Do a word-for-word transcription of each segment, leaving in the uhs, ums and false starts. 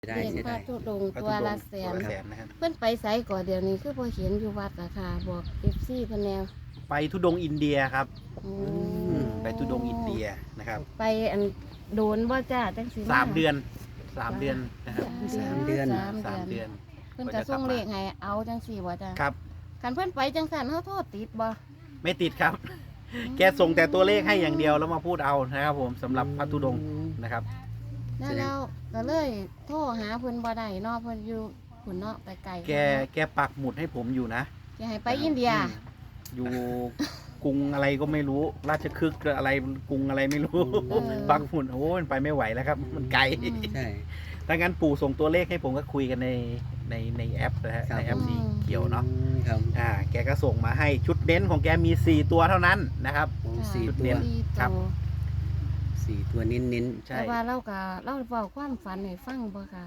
ได้เรียนเสียพระดายธุดงค์ตัวละแสนตัวละแสนนะครับเพิ่นไปไสก่อนเดี๋ยวนี้คือพอเห็นอยู่วัดอะค่ะบอกเอฟซีเพิ่นแนวไปทุดงค์อินเดียครับโอ้อืมไปทุดงค์อินเดียนะครับไปอันโดนบ่จ้าจังสิสามเดือนสามเดือนนะครับสามเดือนสามสามเดืเดืออน นเพิ่นก็ส่งเลขให้เอาจังสี่บ่จ้าครับคันเพิ่นไปจังซั่นเฮาโทษติดบ่ไม่ติดครับ แกส่งแต่ตัวเลขให้อย่างเดียวแล้วมาพูดเอานะครับผมสำหรับพระธุดงค์นะครับแล้วเราก็เลยโทรหาเพิ่นบ่ได้เนาะเพิ่นอยู่พุ่นเนาะไปไกลแกแกปักหมุดให้ผมอยู่นะแกให้ไปอินเดียอืมอยู่กรุงอะไรก็ไม่รู้ ราชคฤห์อะไรกรุงอะไรไม่รู้เออปักหมุดโอ้ยมันไปไม่ไหวแล้วครับ มันไกลอืมใช่ถ้างั้นปู่ส่งตัวเลขให้ผมก็คุยกันในในในแอปนะฮะครับในแอปสีเขียวเนาะอืมครับอ่าแกก็ส่งมาให้ชุดเน้นของแกมีสี่ตัวเท่านั้นนะครับโอ้ค่ะสี่จุดตัเน้วนสี่ครับตัวสี่ตัวเน้นเน้นใช่แต่ว่าเราก็เราเว้าความฝันให้ฟังบ่ค่ะ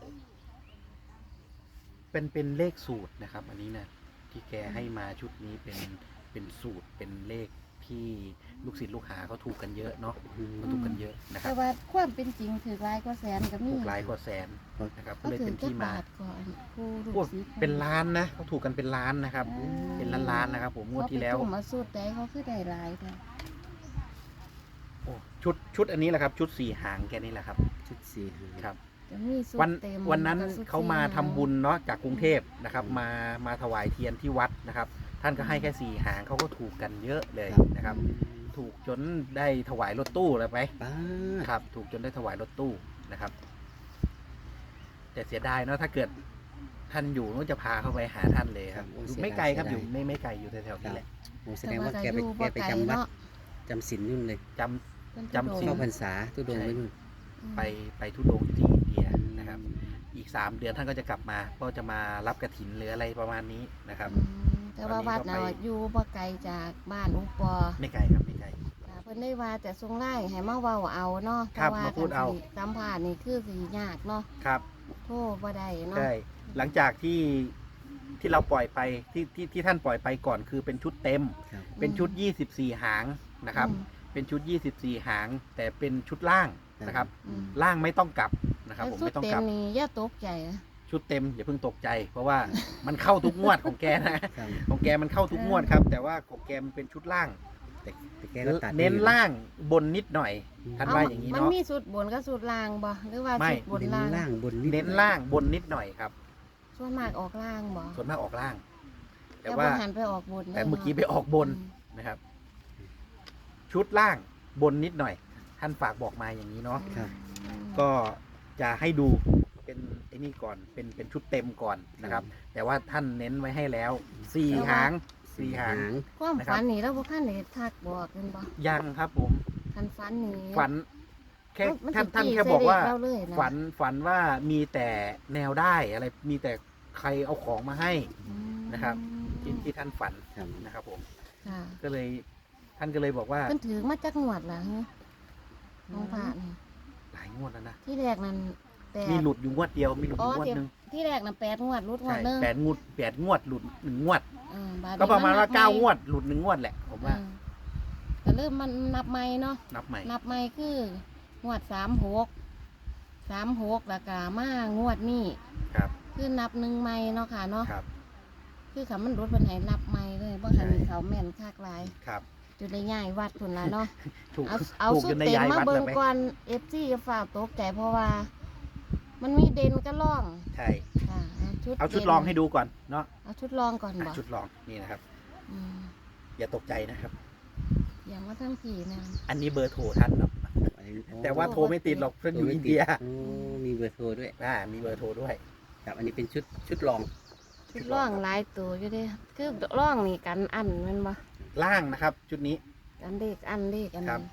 เป็นเป็นเลขสูตรนะครับ อันนี้นะที่แกให้มาชุดนี้เป็นเป็นสูตรเป็นเลขที่ลูกศิษย์ลูกหาเขาถูกกันเยอะเนาะอืมเขาถูกกันเยอะนะคแต่รับว่าความเป็นจริงถือหลายกว่าแสนก็มีถูกหลายกว่าแสนนะครับก็ก็เลยถืเป็อน จักที่มาบาทก่อนผู้ลูพวกกศิษย์เป็นล้านนะเขาถูกกันเป็นล้านนะครับอ่าเป็นล้านล้านๆนะครับ ผมงวดที่แล้วเขาไปตุ่มมาสูตรใดเขาคือได้หลายค่ะโอ้ชุดชุดอันนี้แหละครับ ชุดสี่หางแกนี่แหละครับชุดสี่หางครับจะมีสูตวันรเต็มวันนั้นกับสูตรเขามาสี่หทำบุญเนาะจากกรุงเทพนะครับ มามาถวายเทียนที่วัดนะครับ ท่านก็ให้แค่สี่หางเขาก็ถูกกันเยอะเลยนะครับ ถูกจนได้ถวายรถตู้เลยไปป้าครับ ถูกจนได้ถวายรถตู้นะครับ แต่เสียดายเนาะถ้าเกิดท่านอยู่นู้นจะพาเข้าไปหาท่านเลยครับอยู่ไม่ไกลครับอยู่ไม่ไม่ไกลอยู่แถวๆนี้แหละโอ้แสดงว่าแกไปอยู่แกบ่ไปลจำวัดเนาะจำศีลนู่นเลยจำเพิ่นจำศีลเข้าพรรษาตุดงค์ไว้นู่นไปไปทุดงค์ที่อินเดียนะครับ อีกสามเดือนท่านก็จะกลับมา ก็จะมารับกฐินหรืออะไรประมาณนี้นะครับอืมแต่ว่าวัดน่ะตอนนี้ก็ไปอยู่บ่ไกลจากบ้านอุปอไม่ไกลครับไม่ไกลค่ะเพิ่นได้ว่าแต่ทรงไล่ให้มาเว้าเอาเนาะครับเพะว่มาพูดเอาคันสิสัมภาษณ์นี่คือสิยากเนาะครับโทรบ่ได้เนาะใช่หลังจากที่ที่เราปล่อยไปที่ที่ที่ท่านปล่อยไปก่อนคือเป็นชุดเต็มครับเป็นชุดยี่สิบสี่หางนะครับอืมเป็นชุดยี่สิบสี่หาง แต่เป็นชุดล่างนะครับอืมล่างไม่ต้องกลับนะครับ ผมแล้วไม่ต้องสุดกลับเต็มนี่อย่าตกใจนะชุดเต็มอย่าเพิ่งตกใจ เพราะว่ามันเข้าทุกงวดของแกนะครับของแกมันเข้าทุกงวดครับ แต่ว่าของแกมันเป็นชุดล่างแต่แต่แกก็ตัดเน้นไม่อยู่ล่างบนนิดหน่อย ท่านว่าอย่างนี้มันเนาะมีสุดบนกับสุดล่างบ่หรือว่าไม่สุดบนเน้นล่างล่างบนนิดเน้นล่างบนนิดหน่อยครับส่วนมากออกล่างบ่ส่วนมากออกล่าง แต่แต่ว่าว่าหันไปออกบนแต่เมื่อกี้ไปออกบนนะครับ ชุดล่างบนนิดหน่อย ท่านฝากบอกมาอย่างนี้เนาะครับก็จะให้ดูเป็นไอ้นี่ก่อนเป็นเป็นชุดเต็มก่อนนะครับ แต่ว่าท่านเน้นไว้ให้แล้วสี่หางสี่หางความนะครับฝันนี่เราบ่คันได้ทักบอกกันบ่ยังครับผมคันฝันนี่ฝัน แค่มันท่านสิท่านจี้แค่บอกว่าใส่เลขเราเลยนะฝันฝันว่ามีแต่แนวได้อะไรมีแต่ใครเอาของมาให้อืมนะครับ ที่ที่ท่านฝันครับนะครับ ผมค่ะก็เลยท่านก็เลยบอกว่าเพิ่นถือมาจากงวดล่ะฮะน้องพระนี่หลายงวดแล้วนะที่แรกนั้นแปดมีหลุดอยู่งวดเดียวมีหลุดออ๋อยู่งวดที่หนึ่งที่แรกนั้นแปดงวดรุดงวใช่ดหนึงแปดงวดแปดงวดหลุดหนึ่งงวดเออบัดนี้ก็ประมาณว่านับเก้าใหงวดหลุดหนึ่งงวดแหละผมว่าเออก็เริ่มมันนับใหม่เนาะนับใหม่นับใหม่คืองวดสามหกสามหกแล้วก็มางวดนี้ครับคือนับหนึ่งใหม่เนาะค่ะเนาะครับคือคำมันรุดเป็นให้นับใหม่เลยบ่คันใช่เขาแม่นคักหลายครับจุดได้ย่ายวัดพุ่นละเนาะถูกเอาเอาถูกสุจดนในเต็มย้ายมาวัดเบิ่เลงยไหมก่อนเอฟซีจะฝ่ากตกใจเพราะว่า มันมีเด่นก็ล่องใช่ค่ะชุดเอาชุดด่นลองให้ดูก่อนเนาะเอาชุดลองก่อนบ่อ่ะชุดลองนี่นะครับอืมอย่าตกใจนะครับอย่ามาทั้งผีนะอันนี้เบอร์โทรท่านเนาะอันนี้แต่ว่าโทรไม่ติดหรอกเพื่อนอยู่อินเดียโอ้มีเบอร์โทรด้วยอ่ามีเบอร์โทรด้วยครับอันนี้เป็นชุดชุดลองชุดล่องหลายตัวอยู่เด้คือล่องนี่กันอันแมันบ่ล่างนะครับ ชุดนี้กันเลขอันเลขอันครันี้บ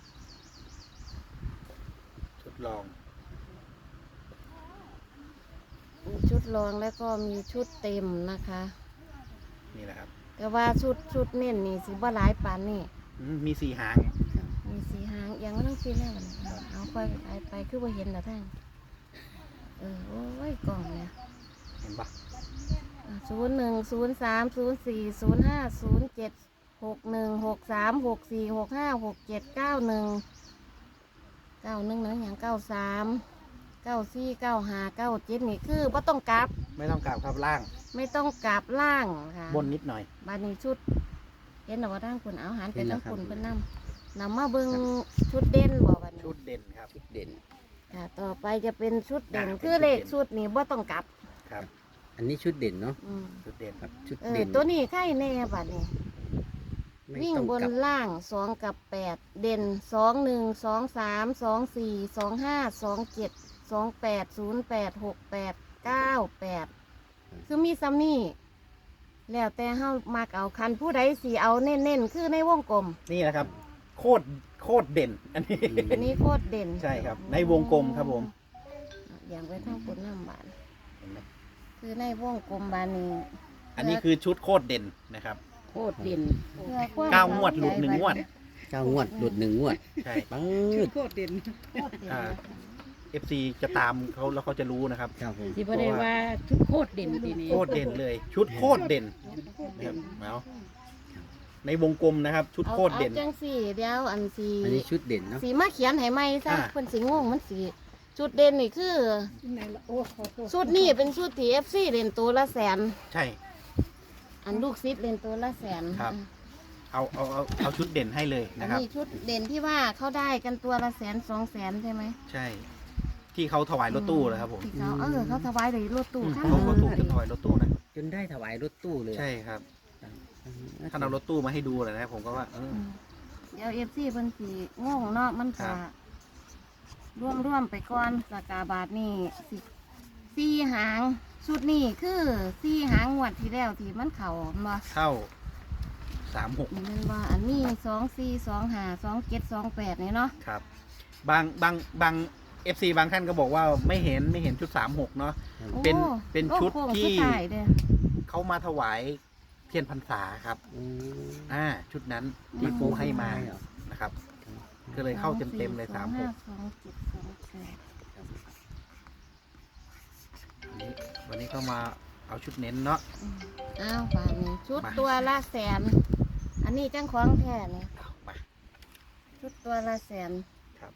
ชุดลองมีชุดลองแล้วก็มีชุดเต็มนะคะนี่แหละครับแต่ว่าชุดชุดเน้นนี่สิบ่หลายปานนี่อืมมีสี่หางมีสีหางยังไม่ต้องสีแล้วนะเอาค่อยไปไปคือว่าเห็นแล้วท่านเออโอ้ยกล่องเนี่ยเห็นปะศูนย์หนึ่งศูนย์สามศูนย์สี่ศูนย์ห้าศูนย์เจ็ดหกหนึ่งหกสามหกสี่หกห้าหกเจ็ดเก้าหนึ่งเก้าหนึ่งนะอย่างเก้าสามเก้าสี่เก้าห้าเก้าเจ็ดนี่คือบ่ต้องกลับไม่ต้องกลับครับล่างไม่ต้องกลับล่างค่ะบนนิดหน่อยบานนี้ชุดเห็นหรอว่าทางคุณเอาหันไปทางคุณเพิ่นนำนำมาเบิ่งชุดเด่นบ่บัดนี้ชุดเด่นครับชุดเด่นค่ะต่อไปจะเป็นชุดเด่นอ่าเป็นคือเลขชุดเด่นชุดนี้บ่ต้องกลับครับอันนี้ชุดเด่นเนาะอืมชุดเด่นครับชุดเออเด่นตัวนี้ใกล้แน่บัดนี้ไม่วิ่งต้องบนกลับล่างสองกับแปดเด่นสองหนึ่งสองสามสองสี่สองห้าสองเจ็ดสองแปดศูนย์แปดหกแปดเก้าแปดคือมีซัมนี่แล้วแต่เฮามักเอาคันผู้ใดสีเอาเน้นๆคือในวงกลมนี่นะครับ โคตรโคตรเด่น อันนี้อันนี้โคตรเด่นใช่ครับในวงกลมครับผมอย่างไว้ทั้งปุ่นน้ำบานเห็นไหมคือในวงกลมบานนี้อันนี้คือชุดโคตรเด่นนะครับโคตรเด่นเพื่อความเก้างวดหลุดหนึ่งงวดเก้างวดหลุดหนึ่งงวดใช่ปังโคตรเด่นโคตรเด่นอ่า เอฟซีจะตามเขาแล้วเขาจะรู้นะครับครับผมที่บ่ได้ว่าชุดโคตรเด่นทีนี้โคตรเด่นเลย ชุดโคตรเด่นนะครับเอาในวงกลมนะครับ ชุดเอาโคตรเด่นเอาจังสี่เดียวอันสีอันนี้ชุดเด่นเนาะสีมาเขียนให้ไหมซะอ่าคนสีงงมันสีชุดเด่นนี่คือโอ้ขอโทษชุดนี้เป็นชุดที่เอฟซีเล่นตัวละแสนใช่อันลูกซิดเล่นตัวละแสนครับ เอาเอาเอาเอาชุดเด่นให้เลยอันนะครับนี้ชุดเด่นที่ว่าเขาได้กันตัวละแสนสองแสนใช่ไหมใช่ ที่เขาถวายรถตู้นะครับผมที่เขาเออเขาถวายเลยรถตู้อืมข้างเขาก็ถูกจนถวายรถตู้นะจนได้ถวายรถตู้เลยใช่ครับท่านเอารถตู้มาให้ดูเลยนะผมก็ว่าเอออืมเดี๋ยวเอฟซีเพิ่นสีงงเนาะมันครัจะบร่วมร่วมๆไปก่อนสกาบาทนี่สิสี่หางชุดนี้คือสี่หางงวดที่แล้วที่มันเข่ามาเข้าสามหกนี่มันว่าอันนี้สองสี่สองห้าสองเจ็ดสองแปดนี่เนาะครับ บางบางบางเอฟซีบางท่านก็บอกว่าไม่เห็นไม่เห็นชุดสามหกเนาะโอ้เป็นเป็นโอ้ชุดโค้งที่สุท้ายเด้อเขามาถวายเทียนพรรษาครับอืมอ่า ชุดนั้นที่ปูให้มานะครับ ก็เลยเข้าเต็มเต็มๆเลยสามหกสองเจ็ดสองแปดวันนี้วันนี้ก็มาเอาชุดเน้นเนาะอืมอ้าวป่านนี้ชุดมาตัวละแสน อันนี้จังของแท้เนี่ยเอามาชุดตัวละแสนครับ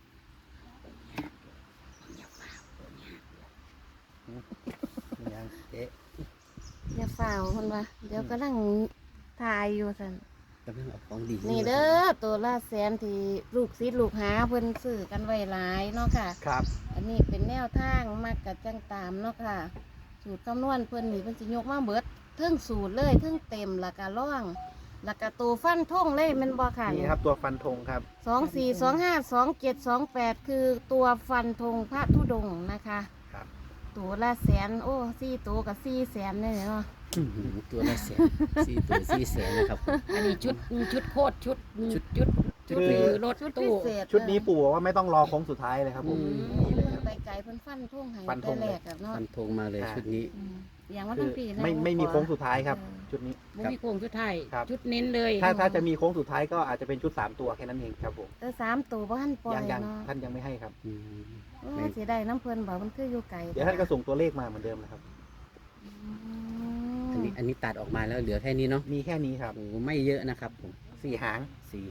ยังเอ๊ะอย่าฝ่าวคนว่าเดี๋ยวกำลังทายอยู่สันกำลังเอาของดีนี่เด้อตัวละแสนที่ลูกศิษย์ลูกหาเพิ่นซื้อกันไว้หลายเนาะค่ะครับอันนี้เป็นแนวทางมักกับจังตามเนาะค่ะ สูตรคำนวณเพิ่นนี่เพิ่นสิยกมาเบิดเทิงสูตรเลยเทิงเต็มแล้วก็ร่องแล้วก็ตัวฟันทงเลยแมันบ่ค่ะนี่ครับตัวฟันธงครับสองสี่สองห้าสองเจ็ดสองแปดคือตัวฟันธงพระธุดงค์นะคะครับตัวละแสนโอ้สี่ตัวกับสี่แสนเลยเนาะอื้อหือตัวละแสนสี่ตัวสี่แสนนะครับผมอันนี้ชุดชุดโคตรชุดชุดชุดชุดคือนี้รถชุดพิตู้เศษชุดนี้ปู่บอกว่าไม่ต้องรอโค้งสุดท้ายเลยครับผมอืมนี่เลยเพิ่คน รับไปไกลเพิ่นฟันธงให้ฟันธงแต่แรกอะเนาะฟันธงมาเลยชุดนี้อืมอย่างว่าคืทั้องปีนะไม่ไม่มีโค้งสุดท้ายครับเออชุดนี้บ่มีโครงชุดไทยครับชุดเน้นเลยถ้าถ้าจะมีโค้งสุดท้ายก็อาจจะเป็นชุดสามตัวแค่นั้นเองครับผมแต่สามตัวบ่ทันปล่อยัยงยังเนาะท่านยังไม่ให้ครับอืมโอ้เสียดายน้ำเพิ่นบอกมันคืออยู่ไกลเดี๋ยวท่านก็ส่งตัวเลขมาเหมือนเดิมนะครับอือันมนี้อันนี้ตัดออกมาแล้วเหลือแค่นี้เนาะมีแค่นี้ครับโอ้ไม่เยอะนะครับผมสี่หางสี่